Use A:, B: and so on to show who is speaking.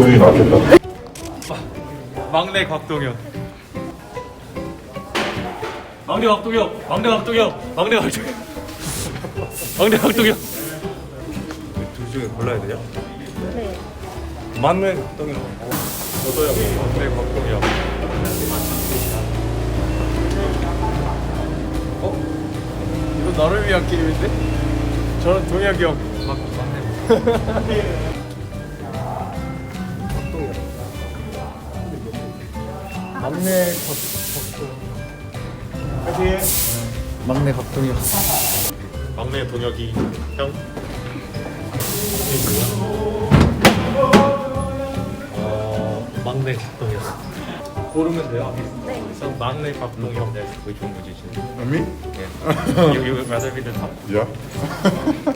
A: 본인이 낫겠다.
B: 막내 곽동현. 막내 곽동현. 막내 곽동현. 막내 곽동현. 막내 곽동현. 둘 중에 골라야 되냐?
C: 네.
B: 막내 곽동현. 저도요. 막내 곽동현. 이거 나를 위한 게임인데? 저는 동혁이 형. 막내.
D: 막내 막내 각동이요.
B: 막내 동혁이 형. 막내 곽동현. 고르면 돼요.
C: 네.
B: 전 막내 곽동현. 네, 그게 좋은 거지 지금.
A: Me?
B: You rather be the top?
A: Yeah.